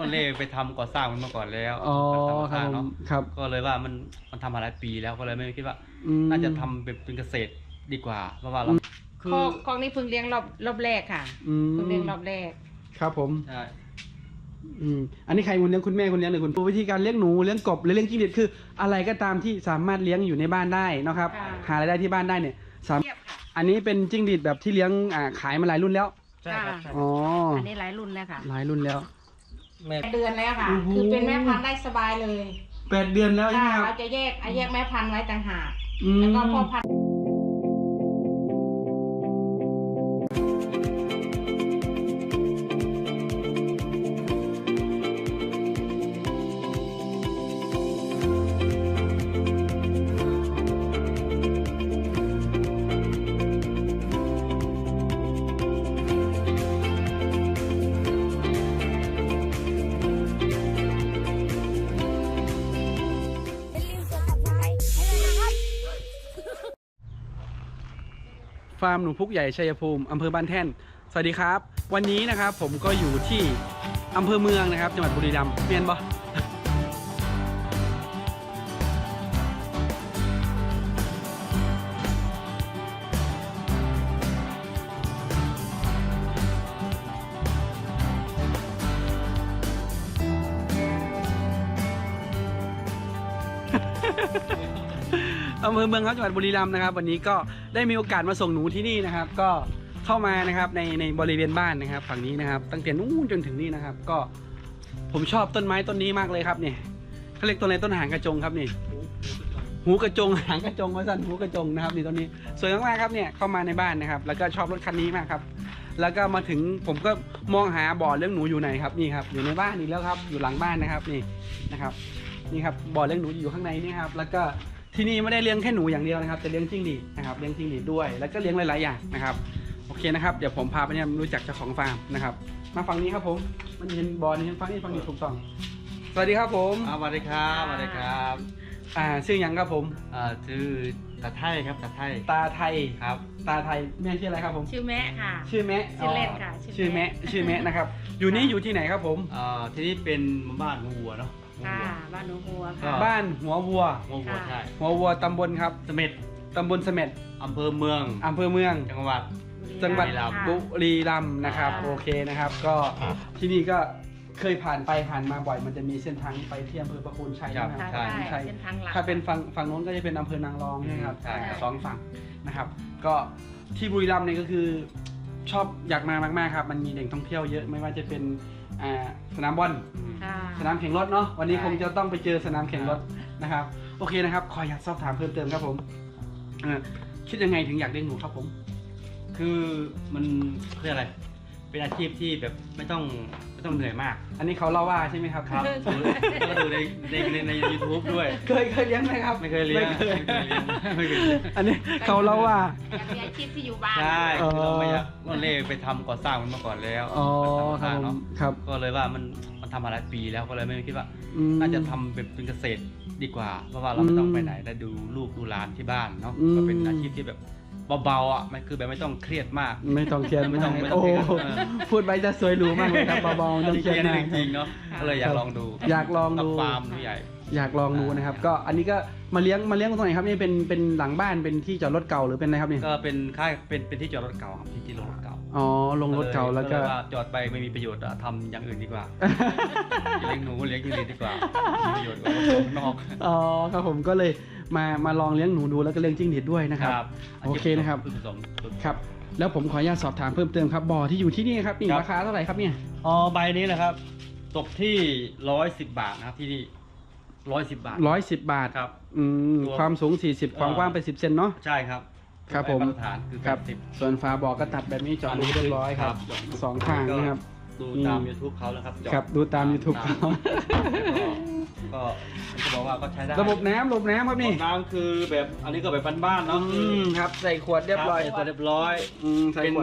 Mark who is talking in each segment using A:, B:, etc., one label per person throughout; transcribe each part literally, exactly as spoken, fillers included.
A: ก็เล่ไปทำก่อสร้างมันมาก่อนแล้ว
B: อ๋อครับเนาะครับ
A: ก็เลยว่ามันมันทำมาหลายปีแล้วก็เลยไม่คิดว่าน่าจะทำเป็นเป็นเกษตรดีกว่าเพราะว่าเรา
C: คือคอกนี้เพิ่งเลี้ยงรอบรอบแรกค่ะเพิ่งเลี้ยงรอบแรก
B: ครับผม
A: ใช่
B: อืมอันนี้ใครคุณเลี้ยงคุณแม่คุณเลี้ยงหรือคุณวิธีการเลี้ยงหนูเลี้ยงกบหรือเลี้ยงจิ้งหรีดคืออะไรก็ตามที่สามารถเลี้ยงอยู่ในบ้านได้นะครับหารายได้ที่บ้านได้เนี่ยสามอันนี้เป็นจิ้งหรีดแบบที่เลี้ยงอ่าขายมาหลายรุ่นแล้ว
C: ใช่ครับ
B: อ๋อ
C: อันนี้หลายรุ่นแล้วค่ะ
B: หลายรุ่นแล้ว
C: แปดเดือนแล้วค่ะคือเป็นแม่พันธุ์ได้สบายเลย
B: แปดเดือนแล้วใช่ไหมครับ
C: เราจะแยกแยกแม่พันธุ์ไว้ต่างหากแล้วก็พ่อพันธุ์
B: ฟาร์มหนูพุกใหญ่ชัยภูมิอำเภอบ้านแท่นสวัสดีครับวันนี้นะครับผมก็อยู่ที่อำเภอเมืองนะครับจังหวัดบุรีรัมย์เมียนบ่อำเภอเมืองครับจังหวัดบุรีรัมย์นะครับวันนี้ก็ได้มีโอกาสมาส่งหนูที่นี่นะครับก็เข้ามานะครับในในบริเวณบ้านนะครับฝั่งนี้นะครับตั้งแต่นู้นจนถึงนี่นะครับก็ผมชอบต้นไม้ต้นนี้มากเลยครับเนี่ยเขาเรียกต้นอะไรต้นหางกระจงครับนี่หูกระจงหางกระจงว่าสั้นหูกระจงนะครับนี่ต้นนี้สวยมากๆครับเนี่ยเข้ามาในบ้านนะครับแล้วก็ชอบรถคันนี้มากครับแล้วก็มาถึงผมก็มองหาบ่อเลี้ยงหนูอยู่ไหนครับนี่ครับอยู่ในบ้านอีกแล้วครับอยู่หลังบ้านนะครับนี่นะครับนี่ครับบ่อเลี้ยงหนูอยู่ข้างในนี่ครับแล้วก็ที่นี่ไม่ได้เลี้ยงแค่หนูอย่างเดียวนะครับจะเลี้ยงจิ้งหรีดนะครับเลี้ยงจิ้งหรีดด้วยแล้วก็เลี้ยงหลายๆอย่างนะครับโอเคนะครับเดี๋ยวผมพาไปเนี่ยรู้จักเจ้าของฟาร์มนะครับมาฝั่งนี้ครับผมมันเห็นบอลนี่เห็นฝั่งนี้ฝั่งนี้ถูกต้องสวัสดีครับผม
A: สวัสดีครับสวัสดีครับ
B: อ่าชื่อยังครับผม
A: อ่าชื่อตาไทยครับตาไทย
B: ตาไทย
A: ครับ
B: ตาไทยแม่ชื่ออะไรครับผม
C: ชื่อแม่ค่ะ
B: ชื่อแม่
C: ชื่อเล่นค่ะ
B: ชื่อแม่ชื่อแม่นะครับอยู่นี่อยู่ที่ไหนครับผม
A: อ่าที่นี่เป็นบ้านวัวเนาะ
C: ค่ะบ้านหนูวัวค่ะ
B: บ้านหัววัว
A: หัววัวใช่
B: หัววัวตำบลครับ
A: เสม็ด
B: ตำบลเสม็ด
A: อำเภอเมือง
B: อำเภอเมือง
A: จังหวัด
B: จังหวัดบุรีรัมย์นะครับโอเคนะครับก็ที่นี่ก็เคยผ่านไปผ่านมาบ่อยมันจะมีเส้นทางไปที่อำเภอประโคนชัยนะครับ
C: ใช่ใช่
B: ถ้าเป็นฝั่งฝั่งโน้นก็จะเป็นอำเภอนางรองนะครับสองฝั่งนะครับก็ที่บุรีรัมย์เนี่ยก็คือชอบอยากมามากๆครับมันมีแหล่งท่องเที่ยวเยอะไม่ว่าจะเป็นสนามบอลสนามแข่งรถเนาะวันนี้คงจะต้องไปเจอสนามแข่งรถนะครับโอเคนะครับขออยากสอบถามเพิ่มเติมครับผมคิดยังไงถึงอยากเลี้ยงหนูครับผม
A: คือมันเรียกอะไรเป็นอาชีพที่แบบไม่ต้องไม่ต้องเหนื่อยมาก
B: อันนี้เขาเล่าว่าใช่ไหมครับ
A: ครับแล้วก็ดูในในในในยูทูบด้วย
B: เคยเคยเลี้ยงไหมครับ
A: ไม่เคยเลี้ยงไม่เคย
B: อันนี้เขาเล่าว่า
C: เป็นอาชีพที่อยู่บ้าน
A: ใช่เราไม่อยากเราเล่ไปทำก่อสร้างมันมาก่อนแล้ว
B: อ๋อครับเนาะครับ
A: ก็เลยว่ามันมันทำมาหลายปีแล้วก็เลยไม่คิดว่าน่าจะทำเป็นเป็นเกษตรดีกว่าเพราะว่าเราไม่ต้องไปไหนได้ดูลูกดูหลานที่บ้านเนาะก็เป็นอาชีพที่แบบเบาๆอ่ะมันคือแบบไม่ต้องเครียดมาก
B: ไม่ต้องเครียดไม่ต้องโอ้พูดไปจะสวยหรูมากเลยครับเบาๆต้องเครียด
A: จริงๆเนาะก็เลยอยากลองดู
B: อยากลองดู
A: ฟาร์มใหญ่
B: อยากลองดูนะครับก็อันนี้ก็มาเลี้ยงมาเลี้ยงตรงไหนครับนี่เป็นเป็นหลังบ้านเป็นที่จอดรถเก่าหรือเป็นอะไรครับนี่
A: ก็เป็นค่ายเป็นเป็นที่จอดรถเก่าครับที่ที่ลงรถเก่า
B: อ๋อลงรถเก่าแล้วก็
A: จอดไปไม่มีประโยชน์ทำอย่างอื่นดีกว่าเลี้ยงหนูเลี้ยงจิ้งหรีดดีกว่ามีประโยชน์กว่าข้างนอก
B: อ๋อครับผมก็เลยมามาลองเลี้ยงหนูดูแล้วก็เลี้ยงจิ้งหรีดด้วยนะครับโอเคนะครับครับแล้วผมขออนุญาตสอบถามเพิ่มเติมครับบ่อที่อยู่ที่นี่ครับนี่ราคาเท่าไหร่ครับเนี่ย
A: อ๋อใบนี้นะครับตกที่ร้อยสิบบาทนะครับที่นี่ร้อยสิบบาท
B: ร้อยสิบบาท
A: ครับ
B: อืมความสูงสี่สิบความกว้างไปสิบเซนเนาะ
A: ใช่ครับ
B: ครับผมครับส่วนฝาบ่อก็ตัดแบบนี้เจาะรูเรียบร้อยครับสองข้างนะครับ
A: ดูตาม ยูทูบ เขาแล้วครับ
B: ครับดูตาม ยูทูบ เขา
A: ก็จะบอกว่าก็ใช้ได้
B: ระบบน้ำระบบน้ำครับนี่
A: น้ำคือแบบอันนี้ก็แบบบ้านๆเนาะ
B: ครับใส่ขวดเรียบร้อย
A: ใส่เรียบร้อย
B: ใส่ขวด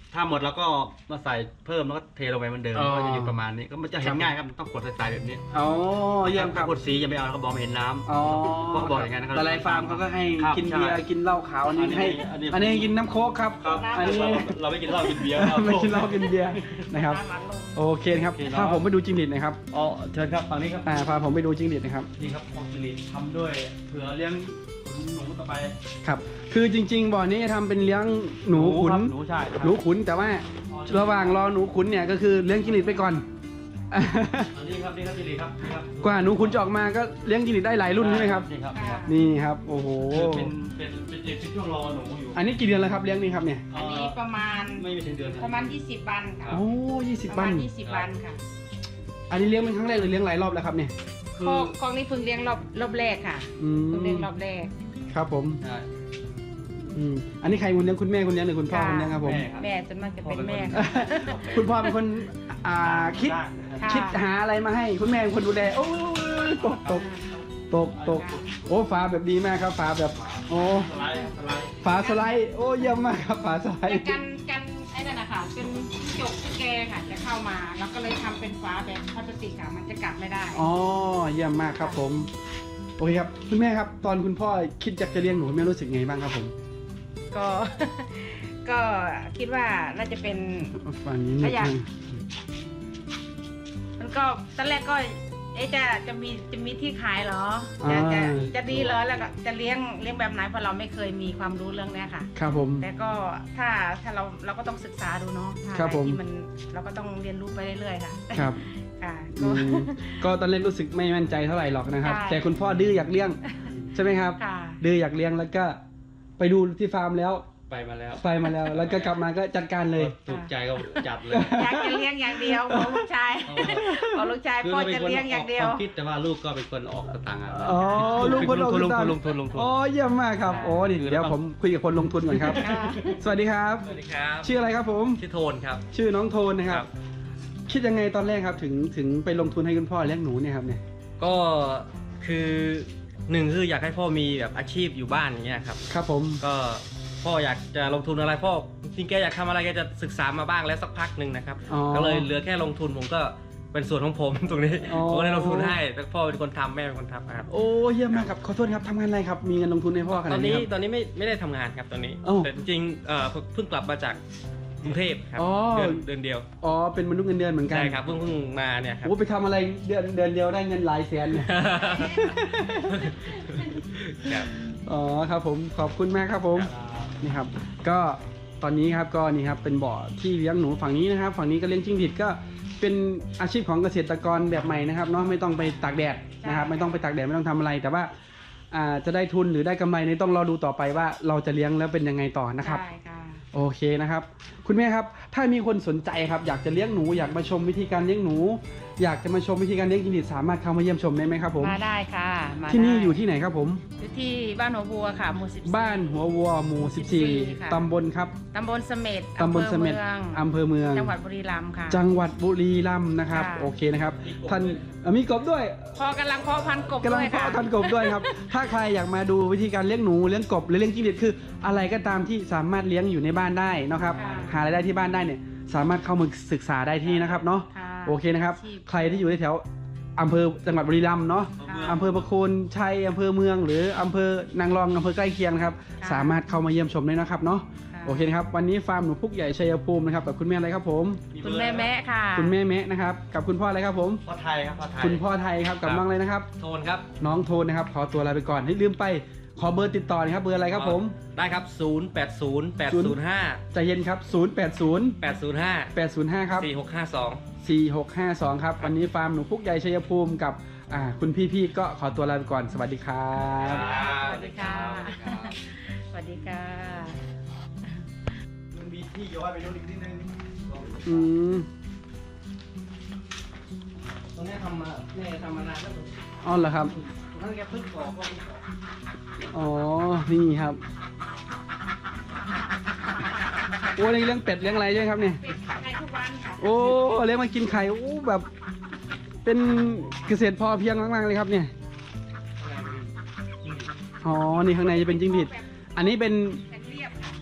A: ถ้าหมดเราก็มาใส่เพิ่มแล้วก็เทลงไปเหมือนเดิม
B: อ๋อ
A: ก็จะอยู่ประมาณนี้ก็มันจะเห็
B: ครั
A: น
B: บ
A: ง่ายครับต้องกดใส่ๆแบบนี้
B: อ๋อเยี่ยมครับ
A: กดสีอย่าไปเอาเขาบอกไม่เห็นน้ำ
B: อ๋อ
A: ก็บอกอย่างนั้นนะครับ
B: แต่หลายฟาร์มเขาก็ให้
A: ครับ
B: กินเบียร์
A: ใช่
B: กินเหล้าขาวอันนี้
A: อันนี้
B: ให้
A: อันนี้
B: อันนี้กินน้ำโค้กครับ
A: ครับ
B: อันนี้
A: เราไม่กินเหล้ากินเบียร์ครับ
B: ไม่กินเหล้ากินเบียร์นะครับ
C: น้ำมันลง
B: โอเคครับ
A: โอเคเนอะ
B: พาผมไปดูจิ้งหรีดหนะครับ
A: อ๋อเชิญครับฝั่งนี้ครับ
B: อ่าพาผมไปดูจิ้งหรีดนะครับ
A: นี่ครับของจิริทำด้วยเผื่อเลี้ยงหนูต่อไป
B: ครับ คือจริง ๆบ่อนี้ทำเป็นเลี้ยงหนูขุน
A: ครับหนูใช่
B: หนูขุนแต่ว่าระหว่างรอหนูขุนเนี่ยก็คือเลี้ยงจิ้งหรีดไปก่อน
A: อันนี้ครับนี่ครับจิริครับนี่ครับ
B: กว่าหนูขุนจะออกมาก็เลี้ยงจิ้งหรีดได้หลายรุ่นใช่ไหมครับ
A: นี่ครับนี่ครับ
B: นี่ครับโอ้โห
A: คือเป็นเป็นเป็นเป็นช่วงรอหนูอยู่
B: อันนี้กี่เดือนแล้วครับเลี้ยงนี่ครับเนี่ย
C: อันนี้ประมาณ
A: ไม่มีถึงเดือน
C: ประมาณยี่สิบวันค่ะ
B: โอ้ยี่สิบ
C: ประ
B: วั
C: มาน ณยี่สิบวันค่ะ
B: อันนี้เลี้ยงเป็นครั้งแรกหรือเลี้ยงหลายรอบแล้วครับเนี่ย
A: คื
C: ค
A: อ
C: อกคอกนี้เพิ่งเลี้ยงรอบรอบแรกค่ะ
B: อืม
C: เพิ่งเลี้ยงรอบแรก
B: ครับผม
A: ใช่
B: อืมอันนี้ใครคุณเลี้ยงคุณแม่คุณเลี้ยงหรือคุณพ่อคุณเลี้ยงครับผม
A: แม่ครับ
C: แม่จนมากจะเป็นแม่
A: พ่อ
B: คุณพ่อเป็นคนอ่าคิด
C: ค่ะ
B: คิดหาอะไรมาให้คุณแม่เป็นคนดูแลโอ้ยตกตกตกตกโอ้ฝาแบบดีมากครับฝาแบบโอ้
A: สไลด์สไลด์
B: ฝาสไลด์โอ้เยี่ยมมากครับฝาสไล
C: แต่
B: ด์
C: กันกันไอ้นั่นนะคะเป็นจกตุ๊กแกค่ะจะเข้ามาแล้วก็เลยทำเป็นฟ้าแบบพลาสติกค่ะมันจะกัดไม่ได้
B: อ๋อเยี่ยมมากครับผมโอเคครับคุณแม่ครับ ตอนคุณพ่อคิดอยากจะเลี้ยงหนูคุณแม่รู้สึกไงบ้างครับผม
C: ก็ ก็คิดว่าน่าจะเป็น
B: ฝั่งนี้
C: ถ้าอยาก
B: นิดนึง
C: มันก็ตอนแรกก็เอ๊ะจะจะมีจะมีที่ขายเหรอจะจะจะดีเหรอแล้วก็จะเลี้ยงเลี้ยงแบบไหนเพราะเราไม่เคยมีความรู้เรื่องเนี้ยค่ะ
B: ครับผม
C: แต่ก็ถ้าถ้าเราเราก็ต้องศึกษาดูเนาะถ้า
B: ครับ
C: อะไร
B: ผม
C: ที่มันเราก็ต้องเรียนรู้ไปเรื่อยๆค่ะ
B: ครับ
C: ค่ะ
B: อื
C: ก็
B: มก็ตอนแรกรู้สึกไม่มั่นใจเท่าไหร่หรอกนะครับ
C: ใช่
B: แต่คุณพ่อดื้ออยากเลี้ยงใช่ไหมครับ
C: ค่ะ
B: ดื้ออยากเลี้ยงแล้วก็ไปดูที่ฟาร์มแล้ว
A: ไปมาแล้ว
B: ไปมาแล้ว แล้วก็กลับมาก็จัดการเลย
A: ถูกใจก็จัดเลย
C: อยากจะเลี้ยงอย่างเดียวของลูกชายของลูกชายพ่อจะเลี้ยงอย่างเดียว
A: ความคิดแต่ว่าลูกก็เป็นคนออกสตางค์อะ
B: อ๋อลูกคน
A: ลงทุนลง
B: ตั
A: ทุ
B: ง
A: น
B: ค์
A: ลงทุนลงทุน
B: โอ้เยี่ยมมากครับโอ้นี่เดี๋ยวผมคุยกับคนลงทุนก่อนครับ
C: ค่ะ
B: สวัสดีครับ
D: สวัสดีครับ
B: ชื่ออะไรครับผม
D: ชื่อโทนครับ
B: ชื่อน้องโทนนะครับ
D: ครับ
B: คิดยังไงตอนแรกครับถึงถึงไปลงทุนให้คุณพ่อเลี้ยงหนูเนี่ยครับเนี่ย
D: ก็คือหนึ่งคืออยากให้พ่อมีแบบอาชีพอยู่บ้านอย่างเงี้ยครับ
B: ครับผม
D: ก็พ่ออยากจะลงทุนอะไรพ่อจริงๆแกอยากทำอะไรแกจะศึกษามาบ้างแล้วสักพักหนึ่งนะครับ
B: อ๋อ
D: ก็เลยเหลือแค่ลงทุนผมก็เป็นส่วนของผม ตรงนี้
B: อ๋อ
D: ผมก็เลยลงทุนให้แต่พ่อเป็นคนทำแม่เป็นคนทำนะครับ
B: โอ้เยี่ยมมากครับขอโทษครับทำงานอะไรครับมีเงินลงทุนให้พ่อข
D: ต
B: นา
D: อ
B: ด
D: น
B: นี้
D: นี้
B: ครับ
D: ตอนนี้ไม่ไม่ได้ทำงานครับตอนนี้
B: เอ้า
D: แต่จริงๆเอ่อเพิ่งกลับมาจากกรุงเทพครับ
B: อ๋อ
D: เดือนเดือนเดียว
B: อ๋อเป็นมนุษย์เงินเดือนเหมือนกัน
D: ใช่ครับเพิ่งเพิ่งมาเนี่ยครับ
B: โอ้ไปทำอะไรเดือนเดือนเดียวได้เงินหลายแสนเนี่ย
D: ครับ
B: อ๋อครับผมขอบคุณมากครับผมนี่ครับ ก็ตอนนี้ครับก็นี่ครับเป็นบ่อที่เลี้ยงหนูฝั่งนี้นะครับ ฝั่งนี้ก็เลี้ยงจิ้งหรีดก็เป็นอาชีพของเกษตรกรแบบใหม่นะครับเนาะไม่ต้องไปตากแดดนะครับ ไม่ต้องไปตากแดดไม่ต้องทำอะไร แต่ว่าอ่าจะได้ทุนหรือได้กำไรนี่ต้องรอดูต่อไปว่าเราจะเลี้ยงแล้วเป็นยังไงต่อนะครับ
C: ใช่ค่ะ
B: โอเคนะครับคุณแม่ครับถ้ามีคนสนใจครับอยากจะเลี้ยงหนูอยากมาชมวิธีการเลี้ยงหนู อยากจะมาชมวิธีการเลี้ยงจิ้งหรีดสามารถเข้ามาเยี่ยมชมได้ไหมครับผม
C: มาได้ค่ะมา
B: ที่นี่
C: ได้
B: อยู่ที่ไหนครับผม
C: อยู่ที่บ้านหัวบัวค่ะหมู่สิบ
B: บ้านหัววัวหมู่สิบสี่
C: ค่ะ
B: ตำบลครับ
C: ตำบลเสม็ด
B: ตำบลเสม็ด
C: อำเภอเมือง
B: อำเภอเมือง
C: จังหวัดบุรีรัมย์ค่ะ
B: จังหวัดบุรีรัมย์นะครับ
C: ค่ะ
B: โอเคนะครับท่านเอ่อมีกบด้วย
C: พอกำลังเพาะพันธุ์กบ
B: กำลั
C: ด้
B: ง
C: วยค่ะ
B: เพาะท่านกบด้วยครับ ถ้าใครอยากมาดูวิธีการเลี้ยงหนูเลี้ยงกบหรือเลี้ยงจิ้งหรีดคือ อะไรก็ตามที่สามารถเลี้ยงอยู่ในบ้านได้นะครับ
C: ค่ะ
B: หารายได้ที่บ้านได้เนี่ยสามารถเข้ามาศึกษาได้ที่นี่นะครับเนาะ
C: ค่ะ
B: โอเคนะครับ
C: อาชีพ
B: ใครที่อยู่ในแถวอำเภอจังหวัดบุรีรัมย์เนาะ
C: ค่ะ
B: อำเภอประโคนชัยอำเภอเมือง หรืออำเภอนางรองอำเภอใกล้เคียงนะครับ
C: ค่ะ
B: สามารถเข้ามาเยี่ยมชมได้นะครับเนาะ
C: ค่ะ
B: โอเคนะครับวันนี้ฟาร์มหนูพุกใหญ่ชัยภูมินะครับกับคุณแม่อะไรครับผม
C: คุณแม่แม่ค่ะ
B: คุณแม่แมะนะครับกับคุณพ่ออะไรครับผม
A: พ่อไทยครับพ่อไทย
B: คุณพ่อไทยครับกับ
D: ครับ
B: น้องอะไรนะครับ
D: โทนครับ
B: น้องโทนนะครับขอตัวลาไปก่อนให้ลืมไปขอเบอร์ติดต่อหนะครับเบอร์อะไรครับผม
D: ได้ครับศูนย์ แปด ศูนย์ แปด ศูนย์ ห้า
B: ใจเย็นครับศูนย์ แปด ศูนย์
D: แปด ศูนย์ ห้า
B: แปด ศูนย์ ห้าครับ
D: สี่ หก ห้า สอง
B: สี่ หก ห้า สองครับวันนี้ฟาร์มหนูพุกใหญ่ชัยภูมิกับอ่าคุณพี่ๆก็ขอตัวลาไปก่อนสวัสดีครับ
C: สวัสดีค่ะ สวัสดีค่ะ
A: มันมีที่ย้อยไปโน่นอีกนิดนึง
B: อืม
D: ตรงนี้ทำมาแม่ทำมานานแล้ว
B: อ๋อเหรอครับ
D: นั่นแกเพิ่งก่อก็เพิ่งก่อ
B: อ๋อ นี่ครับ โอ้เลี้ยงเป็ดเลี้ยงอะไรด้วยครับเนี่ย
C: เป็นในทุกวันค่ะ
B: โอ้เลี้ยงมากินไข่ โอ้แบบ เป็นเกษตรพอเพียงมากๆเลยครับเนี่ย อ๋อ นี่ข้างในจะเป็นจิ้งหรีด อันนี้เป็น
C: เป็นเรียบค่ะ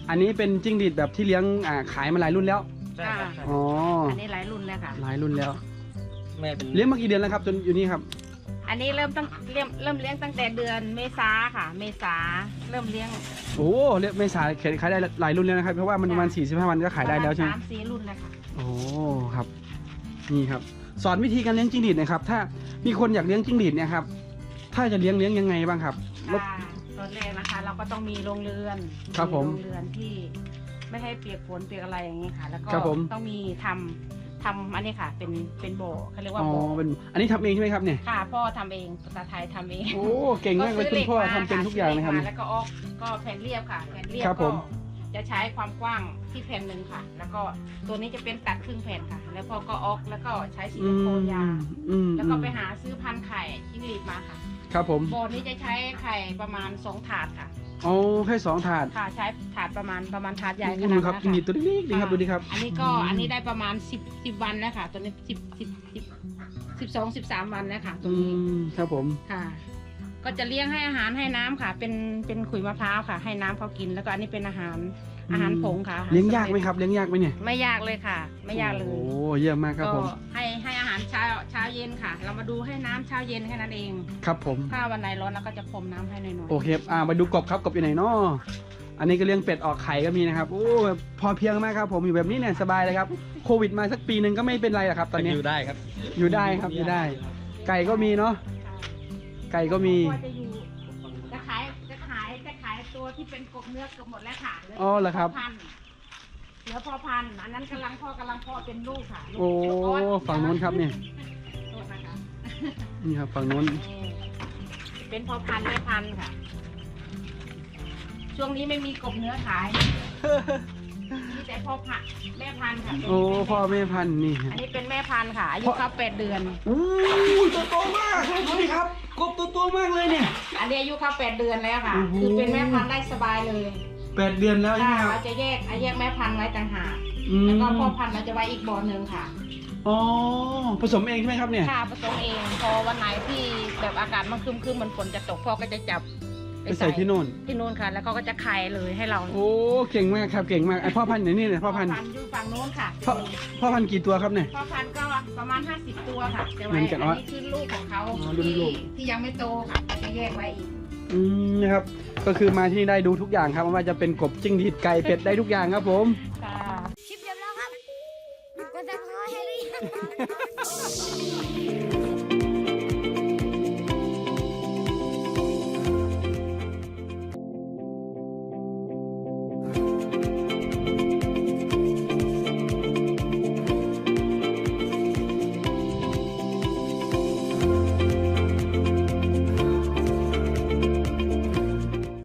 B: อันนี้เป็นจิ้งหรีดแบบที่เลี้ยงอ่าขายมาหลายรุ่นแล้ว
D: ใช่ครับใช่
B: อ๋อ
C: อันนี้หลายรุ่นแล้วค่ะ
B: หลายรุ่นแล้ว
D: แม่เป็น
B: เลี้ยงมากี่เดือนแล้วครับจนอยู่นี่ครับ
C: อันนี้เริ่มตั้งเริ่มเริ่มเลี้ยงตั้งแต่เดือนเมษาค่ะ เมษาเริ่มเลี้ยง
B: โอ้เลี้ยงไม่สายขายได้หลายรุ่นแล้วนะครับเพราะว่ามันประมาณสี่สิบห้าวันก็ขายได้แล้วใช่ไหม
C: สามสี่รุ่นแล้วค่ะ
B: โอ้ครับนี่ครับสอนวิธีการเลี้ยงจิ้งหรีดหนะครับถ้ามีคนอยากเลี้ยงจิ้งหรีดเนี่ยครับถ้าจะเลี้ยงเลี้ยงยังไงบ้างครับรบ
C: ค่ะตอนแรกนะคะ เราก็ต้องมีโรงเรือน
B: ครับผม
C: โรงเรือนที่ไม่ให้เปียกฝนเปียกอะไรอย่างนี้ค่ะ แล้วก็
B: ครับผม
C: ต้องมีทำทำอันนี้ค่ะ เป็นเป็นโบเขาเรียกว่า
B: อ๋อ
C: โบ
B: เป็นอันนี้ทำเองใช่ไหมครับเนี่ย
C: ค่ะพ่อทำเองภาษาไทยทำเอง
B: โอ้เก่งมากเลยคุณพ่อทำเป็นทุกอย่างนะครับ
C: ซื้หล็มาแล้วก็ออกก็แผ่นเรียบค่ะแผ่นเรียบ
B: ครับผ
C: ก็
B: ม
C: จะใช้ความกว้างที่แผ่นหนึ่งค่ะ แล้วก็ตัวนี้จะเป็นตัดครึ่งแผ่นค่ะ แล้วพ่อก็ออกแล้วก็ใช้ซิลิโคนยาง
B: อืม
C: แล้วก็ไปหาซื้อพันธุ์ไข่จิ้งหรีดมาค่ะ
B: ครับผม
C: โบนี้จะใช้ไข่ประมาณสองถาดค่ะ
B: โอ้แค่สองถาด
C: ค่ะใช้ถาดประมาณประมาณถาดใหญ่ข
B: ดู
C: นาด
B: ครับ
C: นั้น
B: จิ้งหรีด
C: ค่ะ
B: ตัวเล็กๆดีครับดูดิครับ
C: อันนี้ก็อันนี้ได้ประมาณสิบสิบวันแล้วค่ะ ตัวนี้สิบสิบสิบสิบสองสิบสามวันแล้วค่ะ ตร
B: อื
C: งนี้
B: มครับผม
C: ค่ะ ก็จะเลี้ยงให้อาหารให้น้ำค่ะ เป็นเป็นขุยมะพร้าวค่ะ ให้น้ำเขากิน แล้วก็อันนี้เป็นอาหารอาหารผงค่ะอหร
B: เลี้ยงยากไหม
C: สำเร็จ
B: ครับเลี้ยงยากไหมเนี่ย
C: ไม่ยากเลยค่ะ ไม่ยากเลย
B: โอ้เยี่ยมมากครับ
C: ก็
B: ผม
C: ให้ให้อาหารเช้าเช้าเย็นค่ะ เรามาดูให้น้ำเช้าเย็นแค่นั้นเอง
B: ครับผม
C: ถ้าวันไหนร้อนเราก็จะพรมน้ำให้หน่อยๆ
B: โอเคอ่ามาดูกบครับกบอยู่ไหนเนาะอันนี้ก็เลี้ยงเป็ดออกไข่ก็มีนะครับโอ้พอเพียงมากครับผมอยู่แบบนี้เนี่ยสบายเลยครับโควิดมาสักปีหนึ่งก็ไม่เป็นไรหรอกครับตอนนี้
D: อยู่ได้ครับ
B: อยู่ได้ครับอยู่ได้ ไก่ก็มีเนาะไก่ก็มี
C: พ่อจะอยู่จะขายจะขายจะขายตัวที่เป็นกบเนื้อเกือบหมดแล้วค่ะลื
B: อ๋อเหรอครับ
C: พ่พันธุ์เหลือพอพันธุ์อันนั้นกำลังพ่อกำลังพ่อเป็นลูกค่ะลูก
B: โอ้
C: ลูก
B: ฝั่งนู้นครับเนี่ย
C: โทษนะคะ
B: นี่ครับฝั่งนู้น
C: นี่เป็นพอพันธุ์แม่พันธุ์ค่ะ ช่วงนี้ไม่มีกบเนื้อขายมีแต่พ่อพันธุ์แม่พันธุ์ค่ะ
B: โอ้พ่อแม่พันธุ์นี่ครับ
C: อันนี้เป็นแม่พันธุ์ค่ะอายุครบแปดเดือน
B: โอ้ตัวโตมากดูดิครับกบตัวโตมากเลยเนี่ย
C: อันนี้อายุครบแปดเดือนแล้วค่ะ
B: โอ้โห
C: คือเป็นแม่พันธุ์ได้สบายเลย
B: แปดเดือนแล้วใช่ไหม
C: ค่ะ
B: ครับ
C: เราจะแยกแยกแม่พันธุ์ไว้ต่างหาก
B: อืม
C: แล้วก็พ่อพันธุ์เราจะไว้อีกบ่อหนึ่งค่ะ
B: อ๋อผสมเองใช่ไหมครับเนี่ย
C: ค่ะผสมเอง พอวันไหนที่แบบอากาศมันครึมๆมันฝนจะตกพ่อก็จะจับ
B: ไปใส่ที่โน่น
C: ที่นู่นค่ะ แล้วเขาก็จะไข่เลยให้เรา
B: โอ้เก่งมากครับเก่งมากไอพ่อพันธุ์ไหนนี่เนี่ยพ่อพันธุ์
C: อยู่ฝั่งโน้นค่ะ
B: พ่อพ่อพันธุ์กี่ตัวครับเนี่ย
C: พ่อพันธุ์ก็ประมาณห้าสิบตัวค่ะจะ
B: เหมื
C: ไว้
B: อนกัน
C: อัน
B: ว่า
C: นี้คือลูกของเขา
B: อ๋อรุ่นลู
C: ที่
B: ก
C: ที่ยังไม่โตค่ะจะแยกไว้อีก
B: อืมนะครับก็คือมาที่นี่ได้ดูทุกอย่างครับไม่ว่าจะเป็นกบจิ้งหรีดไก่เป็ดได้ทุกอย่างครับผม
C: ค่ะ
E: คลิปจบแล้วครับ กดซับสไครต์ให้หรือยัง